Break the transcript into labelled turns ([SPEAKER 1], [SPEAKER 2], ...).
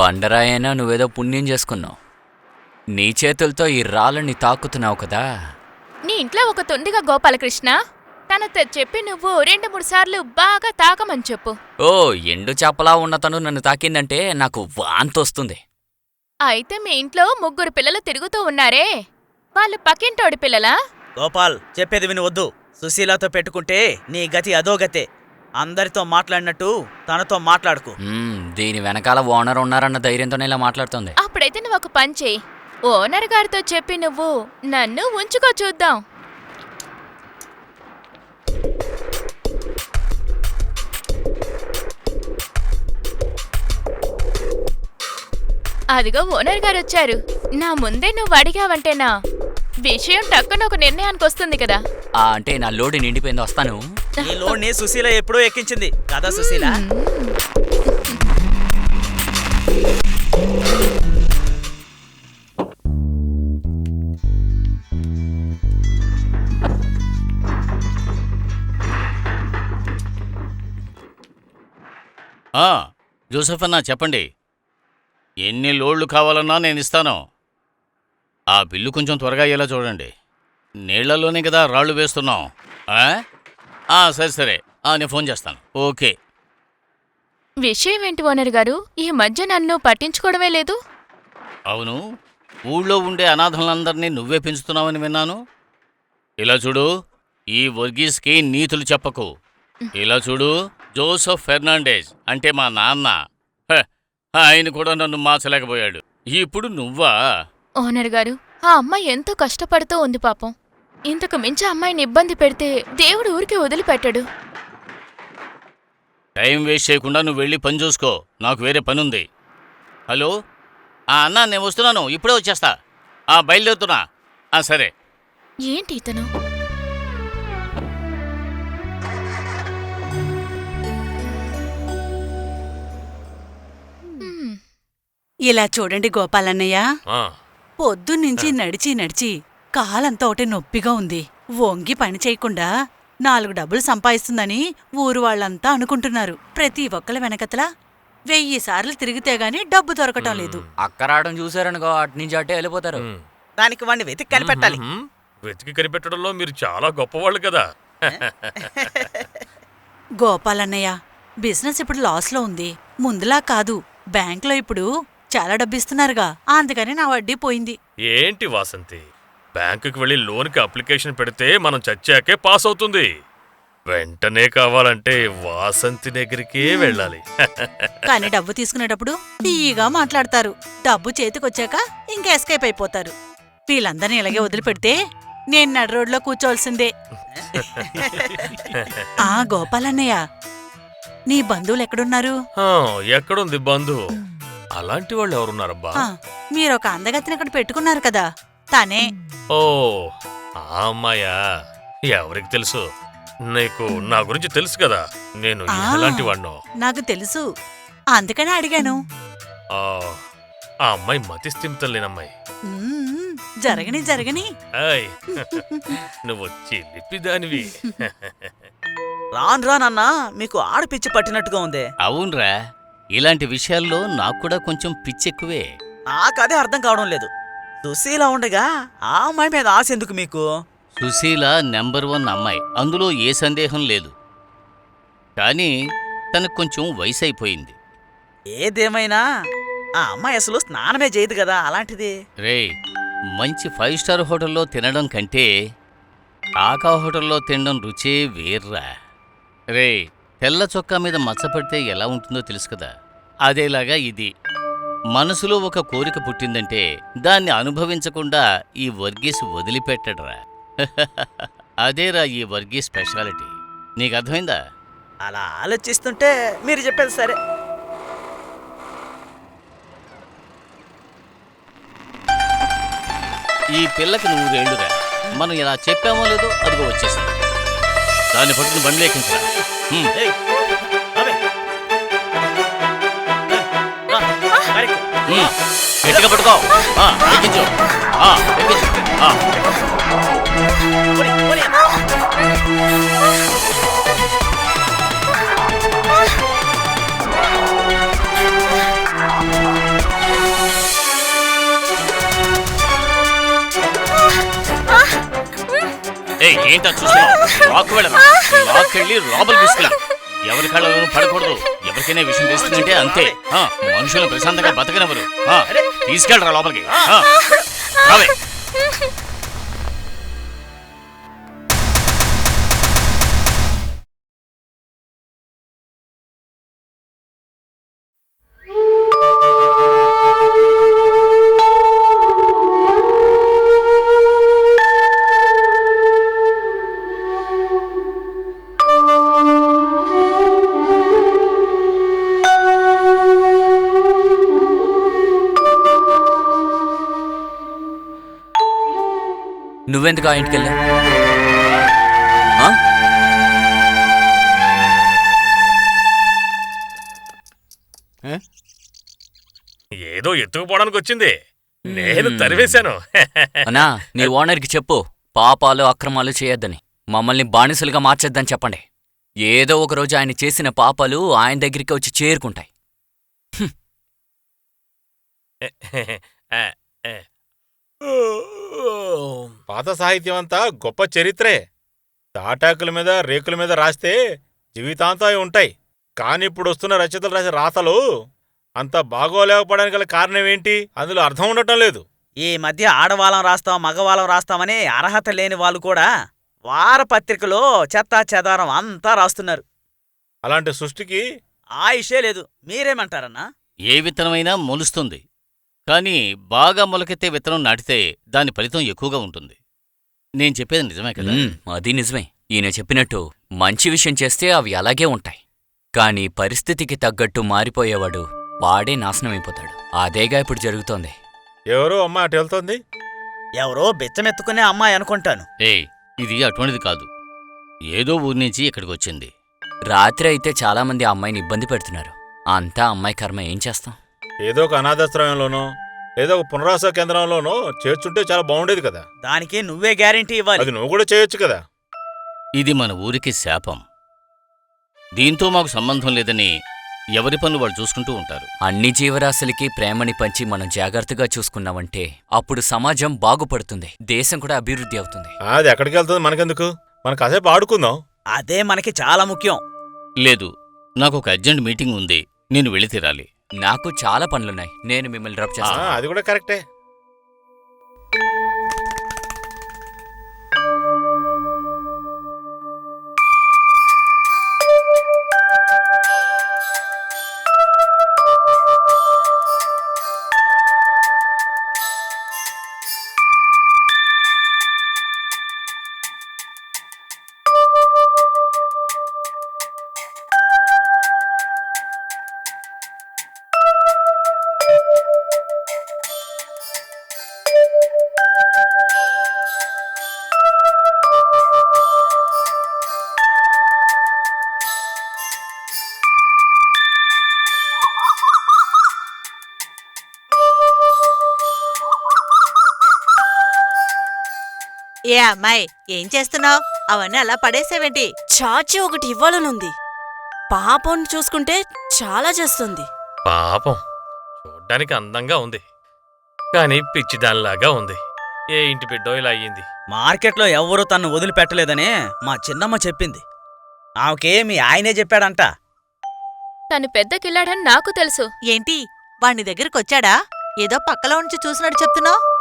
[SPEAKER 1] బండరాయైనా నువ్వేదో పుణ్యం చేసుకున్నావు. నీ చేతులతో ఈ రాళ్ళని తాకుతున్నావు కదా.
[SPEAKER 2] నీ ఇంట్లో ఒక తొండిగా గోపాలకృష్ణ, తనతో చెప్పి నువ్వు 2-3 సార్లు బాగా తాకమని చెప్పు.
[SPEAKER 1] ఓ ఎండు చేపలా ఉన్న తను నన్ను తాకిందంటే నాకు వాంతొస్తుంది.
[SPEAKER 2] అయితే మీ ఇంట్లో 3 పిల్లలు తిరుగుతూ ఉన్నారే, వాళ్ళు పక్కింటోడి పిల్లలా?
[SPEAKER 3] గోపాల్, చెప్పేది విని వద్దు. సుశీలతో పెట్టుకుంటే నీ గతి అదో గతే. అందరితో మాట్లాడినట్టు తనతో మాట్లాడుకు.
[SPEAKER 1] దీని వెనకాల ఓనర్ ఉన్నారన్న ధైర్యంతోనే ఇలా మాట్లాడుతుంది.
[SPEAKER 2] అప్పుడైతే నువ్వు ఒక పని చెయ్యి, ఓనర్ గారితో చెప్పి నువ్వు నన్ను ఉంచుకో చూద్దాం. అదిగో ఓనర్ గారు వచ్చారు. నా ముందే నువ్వు అడిగావంటేనా విషయం టక్కున ఒక నిర్ణయానికి వస్తుంది కదా.
[SPEAKER 1] అంటే నా లోడు నిండిపోయింది, వస్తాను.
[SPEAKER 3] ఈ లోడ్ని సుశీల ఎప్పుడూ ఎక్కించింది కదా సుశీల.
[SPEAKER 4] జోసెఫ్ అన్నా, చెప్పండి. ఎన్ని లోడ్లు కావాలన్నా నేను ఇస్తాను. ఆ బిల్లు కొంచెం త్వరగా అయ్యేలా చూడండి. నీళ్లలోనే కదా రాళ్లు వేస్తున్నాం. సరే సరే, నేను ఫోన్ చేస్తాను. ఓకే.
[SPEAKER 2] విషయం ఏంటి ఓనర్ గారు, ఈ మధ్య నన్ను పట్టించుకోవడమే లేదు?
[SPEAKER 4] అవును, ఊళ్ళో ఉండే అనాథలందరినీ నువ్వే పెంచుతున్నావని విన్నాను. ఇలా చూడు, ఈ వర్గీస్కి నీతులు చెప్పకు. ఇలా చూడు, జోసెఫ్ ఫెర్నాండెజ్ అంటే మా నాన్న. ఆయన కూడా నన్ను మార్చలేకపోయాడు. ఇప్పుడు నువ్వా?
[SPEAKER 2] ఓనర్ గారు, ఆ అమ్మాయి ఎంతో కష్టపడుతూ ఉంది పాపం. ఇంతకు మించి అమ్మాయిని ఇబ్బంది పెడితే దేవుడు ఊరికే వదిలిపెట్టాడు.
[SPEAKER 4] టైం వేస్ట్ చేయకుండా నువ్వు వెళ్ళి పని చూసుకో, నాకు వేరే పనుంది. హలో అన్నా, నేను వస్తున్నాను, ఇప్పుడే వచ్చేస్తా. బయలుదేరుతున్నా. సరే.
[SPEAKER 2] ఏంటి ఇతను?
[SPEAKER 5] ఇలా చూడండి గోపాలన్నయ్య, పొద్దున్నుంచి నడిచి నడిచి కాలంతా ఒకటి నొప్పిగా ఉంది. వంగి పని చేయకుండా 4 డబ్బులు సంపాదిస్తుందని ఊరు వాళ్ళంతా అనుకుంటున్నారు. ప్రతి ఒక్కళ్ళ వెనకతల 1000 సార్లు తిరిగితే గాని డబ్బు దొరకటం లేదు.
[SPEAKER 1] అక్కరాడడం చూసారనుకో, అట్నుంచి అట్టే వెళ్ళిపోతారు.
[SPEAKER 3] దానికి వాడిని వెతికి కనిపెట్టాలి.
[SPEAKER 6] వెతికి కనిపెట్టడంలో మీరు చాలా గొప్పవాళ్ళు కదా.
[SPEAKER 5] గోపాలన్నయ్య, బిజినెస్ ఇప్పుడు లాస్లో ఉంది. ముందులా కాదు, బ్యాంకులో ఇప్పుడు చాలా డబ్బిస్తున్నారుగా, అందుకని నా వడ్డీ పోయింది.
[SPEAKER 6] ఏంటి వాసంతి, బ్యాంకుకి వెళ్ళి లోన్కి అప్లికేషన్ పెడితే మనం చచ్చాకే పాస్ అవుతుంది. వెంటనే కావాలంటే వాసంతి దగ్గరికే వెళ్ళాలి.
[SPEAKER 5] కానీ డబ్బు తీసుకునేటప్పుడు తీయగా మాట్లాడతారు. డబ్బు చేతికొచ్చాక ఇంకా ఎస్కేప్ అయిపోతారు. వీళ్ళందరినీ ఇలాగే వదిలిపెడితే నేను నడి రోడ్లో కూర్చోవలసిందే. గోపాలన్నయ్య, నీ బంధువులు ఎక్కడున్నారు?
[SPEAKER 6] ఎక్కడుంది బంధువు? అలాంటి వాళ్ళు ఎవరున్నారబ్బా?
[SPEAKER 5] మీరొక అందగతిని ఇక్కడ పెట్టుకున్నారు కదా, తనే.
[SPEAKER 6] ఓ, ఆ అమ్మాయా? ఎవరికి తెలుసు? నీకు నా గురించి తెలుసు కదా, నేను ఎలాంటి వాడినో.
[SPEAKER 5] నాకు తెలుసు, అందుకనే అడిగాను.
[SPEAKER 6] ఆ అమ్మాయి మతి స్థిమితం లేనమ్మాయి.
[SPEAKER 5] జరగని జరగని.
[SPEAKER 6] నువ్వు చిలిపిదానివి.
[SPEAKER 3] రాను రానన్నా మీకు ఆడపిచ్చి పట్టినట్టుగా ఉంది.
[SPEAKER 4] అవునరా, ఇలాంటి విషయాల్లో నాకు కూడా కొంచెం పిచ్చెక్కువే.
[SPEAKER 3] నాకదే అర్థం కావడం లేదు. సుశీల ఉండగా ఆ అమ్మాయి మీద ఆశ ఎందుకు మీకు?
[SPEAKER 4] సుశీల నెంబర్ 1 అమ్మాయి, అందులో ఏ సందేహం లేదు. కానీ తనకు కొంచెం వయసు అయిపోయింది.
[SPEAKER 3] ఏదేమైనా ఆ అమ్మాయి అసలు స్నానమే చేయదు కదా, అలాంటిది.
[SPEAKER 4] రే, మంచి 5 స్టార్ హోటల్లో తినడం కంటే కాకా హోటల్లో తినడం రుచే వేర్రా. రే, తెల్ల చొక్కా మీద మచ్చపడితే ఎలా ఉంటుందో తెలుసు కదా, అదేలాగా ఇది. మనసులో ఒక కోరిక పుట్టిందంటే దాన్ని అనుభవించకుండా ఈ వర్గీస్ వదిలిపెట్టడరా. అదేరా ఈ వర్గీస్ స్పెషాలిటీ. నీకు అర్థమైందా?
[SPEAKER 3] అలా ఆలోచిస్తుంటే మీరు చెప్పేది సరే.
[SPEAKER 4] ఈ పిల్లకి 100 ఏళ్లుగా మనం ఇలా చెప్పామో లేదో అదిగో వచ్చేసింది. దాన్ని పట్టుకుని బండి ఎక్కించరా. గట్టిగా పట్టుకో, ఎక్కించు. ఏంటో చూస్తున్నావు? లాక్కెళ్ళి లోపలికి తీసుకెళ్ళి. ఎవరి కళ్ళలోనూ పడకూడదు. ఎవరికైనా విషయం తెలుస్తుందంటే అంతే. మనుషులు ప్రశాంతంగా బతకనివ్వరు. తీసుకెళ్ళరా లోపలికి. రావే.
[SPEAKER 1] నువ్వెందుకు ఆ ఇంటికెళ్ళా?
[SPEAKER 6] ఏదో ఎత్తుకుపోవడానికి వచ్చింది. నేను తరివేశాను.
[SPEAKER 1] అన్నా, నీ ఓనర్కి చెప్పు పాపాలు అక్రమాలు చేయొద్దని, మమ్మల్ని బానిసలుగా మార్చేద్దని చెప్పండి. ఏదో ఒకరోజు ఆయన చేసిన పాపాలు ఆయన దగ్గరికి వచ్చి చేరుకుంటాయి.
[SPEAKER 7] పాత సాహిత్యం అంతా గొప్ప చరిత్రే. తాటాకుల మీద రేకుల మీద రాస్తే జీవితాంతం అవి ఉంటాయి. కానిప్పుడు వస్తున్న రచయితలు రాసే రాతలు అంత బాగోలేకపోవడానికి గల కారణమేంటి? అందులో అర్థం ఉండటం లేదు.
[SPEAKER 3] ఈ మధ్య ఆడవాళ్ళం రాస్తాం మగవాళ్ళం రాస్తామని అర్హత లేని వాళ్ళు కూడా వారపత్రికలో చెత్తా చెదారం అంతా రాస్తున్నారు.
[SPEAKER 7] అలాంటి సృష్టికి
[SPEAKER 3] ఆయుషే లేదు. మీరేమంటారన్నా?
[SPEAKER 4] ఏ విత్తనమైనా మొలుస్తుంది. కానీ బాగా మొలకెత్తే విత్తనం నాటితే దాని ఫలితం ఎక్కువగా ఉంటుంది. నేను చెప్పేది నిజమే కదా?
[SPEAKER 1] అది నిజమే. ఈయన చెప్పినట్టు మంచి విషయం చేస్తే అవి అలాగే ఉంటాయి. కాని పరిస్థితికి తగ్గట్టు మారిపోయేవాడు వాడే నాశనమైపోతాడు. అదేగా ఇప్పుడు జరుగుతోంది.
[SPEAKER 7] ఎవరో అమ్మ అటు వెళ్తోంది.
[SPEAKER 3] ఎవరో బెచ్చమెత్తుకునే అమ్మాయి అనుకుంటాను.
[SPEAKER 4] ఇది అటువంటిది కాదు. ఏదో ఊరి నుంచి ఇక్కడికి వచ్చింది.
[SPEAKER 1] రాత్రి అయితే చాలామంది ఆ అమ్మాయిని ఇబ్బంది పెడుతున్నారు. అంతా అమ్మాయి కర్మ. ఏం చేస్తాం?
[SPEAKER 7] ఏదో ఒక అనాథాశ్రయంలోనో ఏదో ఒక పునరావాస కేంద్రంలోనో చేర్చుంటే చాలా బాగుండేది కదా.
[SPEAKER 3] దానికి నువ్వే గ్యారెంటీ ఇవ్వాలి.
[SPEAKER 7] అది నువ్వు కూడా చేయొచ్చు కదా.
[SPEAKER 4] ఇది మన ఊరికి శాపం. దీంతో మాకు సంబంధం లేదని ఎవరి పనులు వాళ్ళు చూసుకుంటూ ఉంటారు.
[SPEAKER 1] అన్ని జీవరాశులకి ప్రేమని పంచి మనం జాగ్రత్తగా చూసుకున్నామంటే అప్పుడు సమాజం బాగుపడుతుంది, దేశం కూడా అభివృద్ధి అవుతుంది.
[SPEAKER 7] అది ఎక్కడికి వెళ్తుంది మనకెందుకు? మనం కాసేపు ఆడుకుందాం.
[SPEAKER 3] అదే మనకి చాలా ముఖ్యం.
[SPEAKER 4] లేదు, నాకు ఒక అర్జెంట్ మీటింగ్ ఉంది. నేను వెళ్ళి తీరాలి.
[SPEAKER 1] నాకు చాలా పనులున్నాయి. నేను మిమ్మల్ని డ్రాప్ చేస్తాను.
[SPEAKER 7] అది కూడా కరెక్టే.
[SPEAKER 5] ఏ అమ్మాయి, ఏం చేస్తున్నావు? అవన్నీ అలా పడేసేవేంటి?
[SPEAKER 8] చాచి ఒకటి ఇవ్వాలనుంది. పాపం చూసుకుంటే చాలా చేస్తుంది.
[SPEAKER 6] పాపం చూడ్డానికి అందంగా ఉంది, కానీ పిచ్చిదానిలాగా ఉంది. ఏ ఇంటి బిడ్డో ఇలా అయ్యింది.
[SPEAKER 3] మార్కెట్లో ఎవ్వరూ తన్ను వదిలిపెట్టలేదనే మా చిన్నమ్మ చెప్పింది. ఆమెకే మీ ఆయనే చెప్పాడంట.
[SPEAKER 2] తను పెద్ద కిల్లాడని నాకు తెలుసు.
[SPEAKER 5] ఏంటి, వాణ్ణి దగ్గరకొచ్చాడా? ఏదో పక్కలో ఉంచి చూసినట్టు చెప్తున్నావు.